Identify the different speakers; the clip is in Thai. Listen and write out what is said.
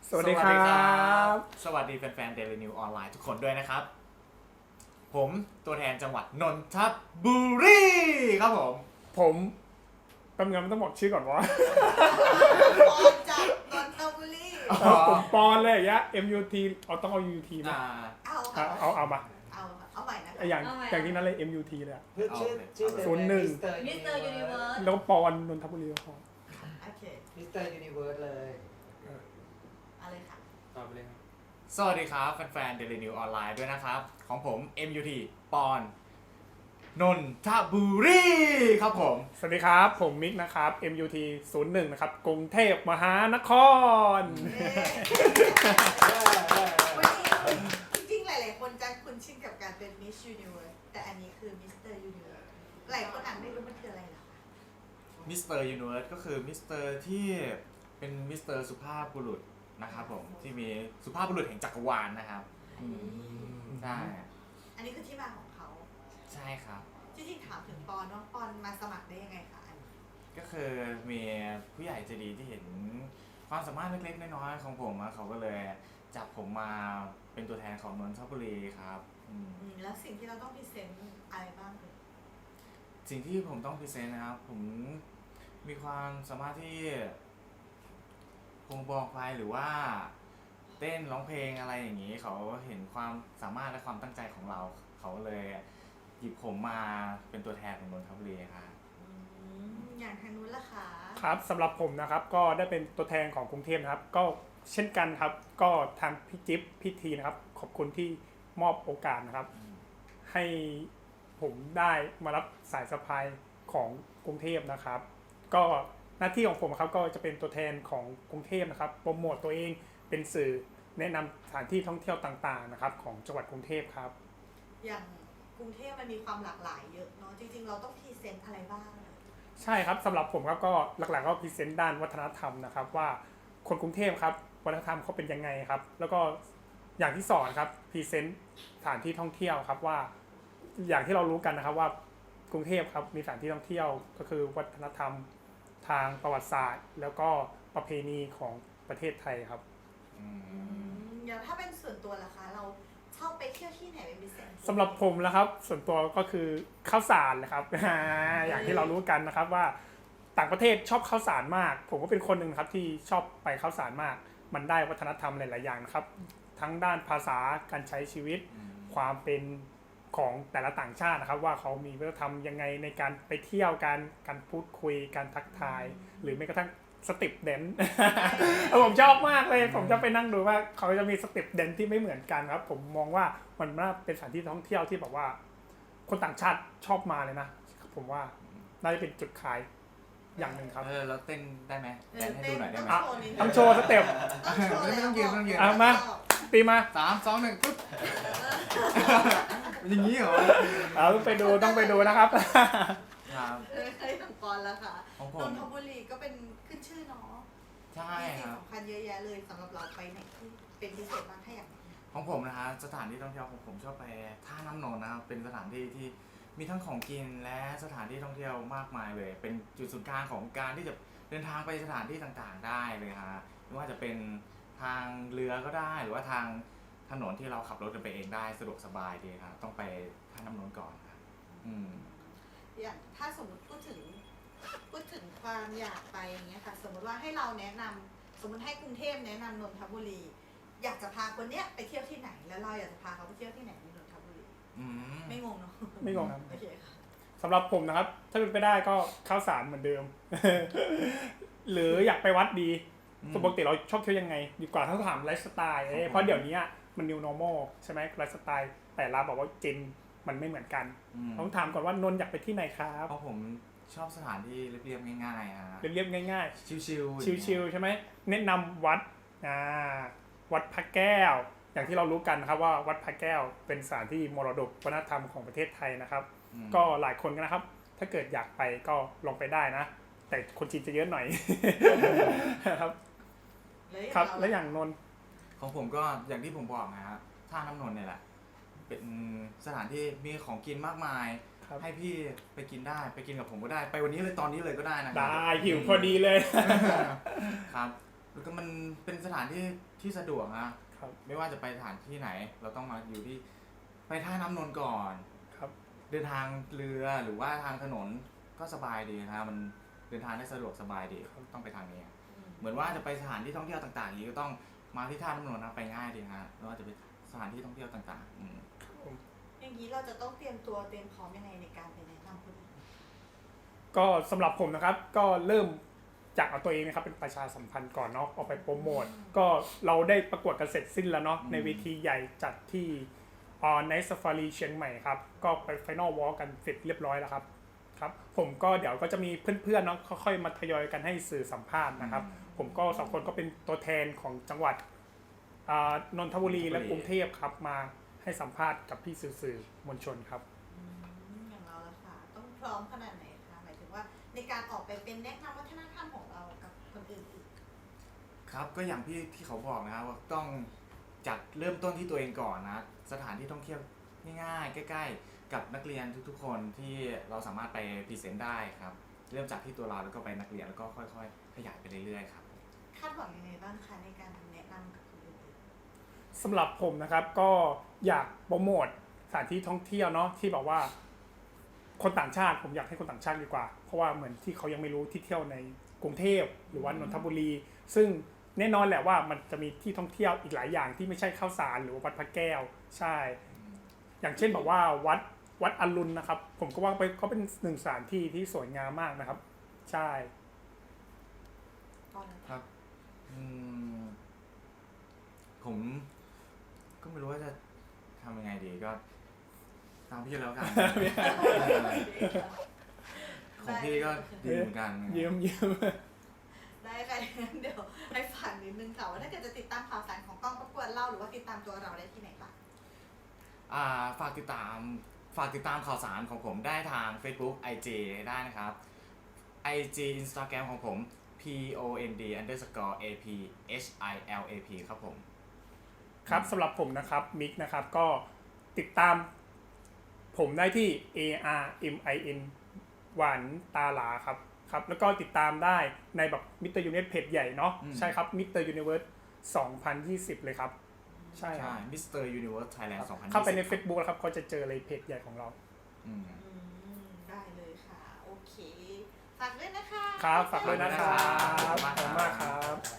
Speaker 1: สวัสดีครับ
Speaker 2: สวัสดีแฟนๆ Daily New ออนไลน์ทุกคนด้วยนะครับผมตัวแทนจังหวัดนนทบุรีครับ
Speaker 1: ผมแป๊บนึงมันต้องบอกชื่อก่อนว่า
Speaker 3: ปอนจากนนทบุรี
Speaker 1: ผมปอนเลยยะ MUT ต้องเอา UT มา เอามา
Speaker 3: เอาใหม่นะคะ
Speaker 1: อย่างที่นั้นเลย MUT เลยอะ
Speaker 4: ชื่อ
Speaker 1: ศูนย์หนึ่ง
Speaker 3: มิสเตอร์ยูนิเวิร์ส
Speaker 1: แล้วปอนนนทบุรีก็พอ
Speaker 3: โอเค
Speaker 4: มิสเตอร์ยูนิเวิร์สเลย
Speaker 3: อะไรค่ะ
Speaker 4: ตอบไปเลยครับ
Speaker 2: สวัสดีครับแฟนๆ Daily New ออนไลน์ด้วยนะครับของผม MUT ปอนนนทบุรีครับผม
Speaker 1: สวัสดีครับ ผมมิกนะครับ MUT 01นะครับกรุงเทพมหานคร
Speaker 3: วันนี้จริงๆหลายๆคนจะคุ้นชินกับการเป็นมิสยูนิเวิร์สแต่อันนี้คือมิสเตอร์ยูนิเวิร์สหลายคนอ่านไม่รู้มันคืออะไรหรอคะ
Speaker 2: มิสเตอร์ยูนิเวิร์สก็คือมิสเตอร์ที่เป็นมิสเตอร์สุภาพบุรุษนะครับผมที่มีสุภาพบุรุษแห่งจักรวาลนะครับใช่
Speaker 3: อันนี้คือที่มาของเขา
Speaker 2: ใช่ครับ
Speaker 3: จริงๆถามถึงปอนว่าปอนมาสมัครได้ยังไงคะอันนี้
Speaker 2: ก็คือมีผู้ใหญ่ใจดีที่เห็นความสามารถเล็กๆน้อยๆของผมอะเขาก็เลยจับผมมาเป็นตัวแทนของนนทบุรีครับ
Speaker 3: แล้วสิ่งที่เราต้องพรีเซนต์อะไรบ้างเลย
Speaker 2: สิ่งที่ผมต้องพรีเซนต์นะครับผมมีความสามารถที่คงบอกไปหรือว่าเต้นร้องเพลงอะไรอย่างนี้เขาเห็นความสามารถและความตั้งใจของเราเขาเลยหยิบผมมาเป็นตัวแทนของนนทบุรีครับ
Speaker 3: อย่างทางนู้นล่ะคะ
Speaker 1: ครับสำหรับผมนะครับก็ได้เป็นตัวแทนของกรุงเทพนะครับก็เช่นกันครับก็ทางพี่จิ๊บพี่ทีนะครับขอบคุณที่มอบโอกาสนะครับให้ผมได้มารับสายสะพายของกรุงเทพนะครับก็หน้าที่ของผมครับก็จะเป็นตัวแทนของกรุงเทพนะครับโปรโมตตัวเองเป็นสื่อแนะนำสถานที่ท่องเที่ยวต่างๆนะครับของจังหวัดกรุงเทพครับ
Speaker 3: อย่างกรุงเทพมันมีความหลากหลายเยอะเนาะจริงๆเราต้องพรีเซนต์อะไรบ้าง
Speaker 1: ใช่ครับสำหรับผมครับก็หลักๆก็พรีเซนต์ด้านวัฒนธรรมนะครับว่าคนกรุงเทพครับวัฒนธรรมเขาเป็นยังไงครับแล้วก็อย่างที่สองครับพรีเซนต์สถานที่ท่องเที่ยวครับว่าอย่างที่เรารู้กันนะครับว่ากรุงเทพครับมีสถานที่ท่องเที่ยวก็คือวัฒนธรรมทางประวัติศาสตร์ แล้วก็ประเพณีของประเทศไทยครับ
Speaker 3: อย่างถ้าเป็นส่วนตัวล่ะคะเราชอบไปเที่ยวที่ไหนเป็นพิเศษ
Speaker 1: สำหรับผมนะครับส่วนตัวก็คือข้าวสารนะครับ อย่างที่เรารู้กันนะครับว่าต่างประเทศชอบข้าวสารมากผมก็เป็นคนหนึ่งครับที่ชอบไปข้าวสารมากมันได้วัฒนธรรมหลายๆอย่างนะครับทั้งด้านภาษาการใช้ชีวิตความเป็นของแต่ละต่างชาตินะครับว่าเขามีวัฒนธรรมยังไงในการไปเที่ยวการพูดคุยการทักทายหรือแม้กระทั่งสเต็ปแดนซ์ ผมชอบมากเลยผมจะไปนั่งดูว่าเขาจะมีสเต็ปแดนซ์ที่ไม่เหมือนกันครับผมมองว่ามันน่าเป็นสถานที่ท่องเที่ยวที่แบบว่าคนต่างชาติชอบมาเลยนะผมว่าน่าจะเป็นจุดขายอย่างหนึ่งครับ
Speaker 2: เราเต้นได้ไหมแดนให้ดูหน่อยได้ไหม
Speaker 1: ต้องโชว์สเต็ป
Speaker 2: ไม่ต้องยืนไม่ต้องยืน
Speaker 1: มาตีมา
Speaker 2: 3 2 1ปุ๊บอย่างนี้เหรอ
Speaker 1: ต้องไปดูนะครับ
Speaker 2: ครับ
Speaker 3: เคยถึงปอนแล้วค่ะ
Speaker 2: ของผ
Speaker 3: น
Speaker 2: ม
Speaker 3: นทบุรีก็เป็นขึ้นชื่อเนาะ
Speaker 2: ใช่
Speaker 3: มี
Speaker 2: ค
Speaker 3: สิ่ง
Speaker 2: รับ
Speaker 3: สำคัญเยอะแยะเลยสำหรับเราไปไหนที่เป็นพิเศษบ้างถ้าอย่าง
Speaker 2: ของผมนะฮะสถานที่ท่องเที่ยวของผมชอบไปท่าน้ำนนท์นะครับเป็นสถานที่ที่มีทั้งของกินและสถานที่ท่องเที่ยวมากมายเลย เป็นจุดศูนย์กลางของการที่จะเดินทางไปสถานที่ต่างๆได้เลยฮะไม่ว่าจะเป็นทางเรือก็ได้หรือว่าทางถนนที่เราขับรถกันไปเองได้สะดวกสบายดีครับต้องไปท่าน้ำนนท์ก่อนครับ
Speaker 3: อย่างถ้าสมมติพูดถึงความอยากไปอย่างเงี้ยค่ะสมมติว่าให้เราแนะนำสมมติให้กรุงเทพแนะนำนนทบุรีอยากจะพาคนเนี้ยไปเที่ยวที่ไหนแล้วเราอยากจะพาเขาไปเที่ยวที่ไหนในนนทบุรีไม่งงเนาะ
Speaker 1: ไม่งงครับ
Speaker 3: โอเคค่ะ
Speaker 1: สำหรับผมนะครับถ้าเป็นไปได้ก็ข้าวสารเหมือนเดิม หรืออยากไปวัดดีปกติเราชอบเที่ยวยังไงดีกว่าถ้าถามไลฟ์สไตล์เพราะเดี๋ยวนี้มัน new normal ใช่ไหมไลฟ์สไตล์แต่ละบอกว่าเจนมันไม่เหมือนกันต้องถามก่อนว่านนท์อยากไปที่ไหนครับ
Speaker 2: เพราะผมชอบสถานที่เรียบๆง่ายๆฮะ
Speaker 1: เรียบๆง่าย
Speaker 2: ชิลๆ
Speaker 1: ๆชิลๆใช่ไหมแนะนำวัดวัดพระแก้วอย่างที่เรารู้กันนะครับว่าวัดพระแก้วเป็นสถานที่มรดกวัฒนธรรมของประเทศไทยนะครับก็หลายคนนะครับถ้าเกิดอยากไปก็ลองไปได้นะแต่คนจีนจะเยอะหน่อย ครับครับและอย่างนนท์
Speaker 2: ของผมก็อย่างที่ผมบอกนะฮะท่าน้ำนนท์เนี่ยแหละเป็นสถานที่มีของกินมากมายให้พี่ไปกินได้ไปกินกับผมก็ได้ไปวันนี้เลยตอนนี้เลยก็ได้นะ
Speaker 1: ได้หิวพอดีเลย
Speaker 2: ครับแล้วก็มันเป็นสถานที่ที่สะดวกนะครับ ไม่ว่าจะไปสถานที่ไหน เราต้องมาอยู่ที่ไปท่าน้ำนนท์ก่อน
Speaker 1: ครับ
Speaker 2: เดินทางเรือหรือว่าทางถนนก็สบายดีนะมันเดินทางได้สะดวกสบายดีต้องไปทางนี้ เหมือนว่าจะไปสถานที่ท่องเที่ยวต่างๆอย่างนี้ก็ต้องมาที่ท่าน้ำนนท์นะไปง่ายดีฮะไม่ว่าจะเป็นสถานที่ท่องเที่ยวต่างๆ
Speaker 3: อย่างนี้เราจะต้องเตรียมตัวเตรียมพร้อมยังไงในการไปแนะนำคนอื่น
Speaker 1: ก็สำหรับผมนะครับก็เริ่มจากเอาตัวเองนะครับเป็นประชาสัมพันธ์ก่อนเนาะออกไปโปรโมทก็เราได้ประกวดกันเสร็จสิ้นแล้วเนาะในเวทีใหญ่จัดที่Night Safari เชียงใหม่ครับก็ไป Final Walk กันเสร็จเรียบร้อยแล้วครับครับผมก็เดี๋ยวก็จะมีเพื่อนๆเนาะค่อยๆมาทยอยกันให้สื่อสัมภาษณ์นะครับผมก็สองคนก็เป็นตัวแทนของจังหวัดนนทบุรีและกรุงเทพครับมาให้สัมภาษณ์กับพี่สื่อมวลชนครับ
Speaker 3: อย่างเราละค่ะต้องพร้อมขนาดไหนคะหมายถึงว่าในการออกไปเป็นแนะนำวัฒนธรรมของเรากับคนอื่นอีก
Speaker 2: ครับก็อย่างที่เขาบอกนะครับว่าต้องจัดเริ่มต้นที่ตัวเองก่อนนะสถานที่ท่องเที่ยวง่ายๆใกล้ๆกับนักเรียนทุกๆคนที่เราสามารถไปพรีเซนต์ได้ครับเริ่มจากที่ตัวเราแล้วก็ไปนักเรียนแล้วก็ค่อยๆขยายไปเรื่อยๆครับ
Speaker 3: คาดหวังยังไงบ้างคะในการแนะนำกับคนอื่นอีก
Speaker 1: สำหรับผมนะครับก็อยากโปรโมทสถานที่ท่องเที่ยวเนาะที่แบบว่าคนต่างชาติผมอยากให้คนต่างชาติดีกว่าเพราะว่าเหมือนที่เขายังไม่รู้ที่เที่ยวในกรุงเทพหรือว่านนทบุรี ซึ่งแน่นอนแหละว่ามันจะมีที่ท่องเที่ยวอีกหลายอย่างที่ไม่ใช่ข้าวสารหรือว่าวัดพระแก้วใช่อย่างเช่นแบบว่าวัดอรุณนะครับ ผมก็ว่าไปก็เป็นหนึ่งสถานที่ที่สวยงามมากนะครับ ใช่
Speaker 2: ครับผมก็ไม่รู้ว่าจะทำยังไงดีก็ตามพี่แล้วกัน ของพี่ก็ดีเหมือนกัน
Speaker 1: เยี่ยม
Speaker 3: ได้ค่ะงั้นเดี๋ยวให้ฝากนิดนึงค่ะว่าถ้าเกิดจะติดตามข่าวสารของกองประกวดเราหรือว่าติดตามตัวเราได้ที่ไหนบ้าง
Speaker 2: ฝากติดตามข่าวสารของผมได้ทาง Facebook IG ได้นะครับ IG Instagram ของผม pond_aphilap ครับผม
Speaker 1: ครับสำหรับผมนะครับมิกนะครับก็ติดตามผมได้ที่ ARMIN หวานตาหลาครับครับแล้วก็ติดตามได้ในแบบมิสเตอร์ยูเนิเวอร์เพจใหญ่เนาะใช่ครับมิสเตอร์ยูนิเวิร์ส2020เลยครับใช่ครับ
Speaker 2: Mr. Universe Thailand 2020
Speaker 1: เข้าไปใน Facebook แล้วครับก็จะเจอเลยเพจใหญ่ของเรา
Speaker 3: ได้เลยค่ะ โอเค ฝากด้วยนะคะ
Speaker 1: ครับฝากด้วยนะครับ
Speaker 2: ขอบคุณมากครับ
Speaker 1: ขอบคุณมากครับ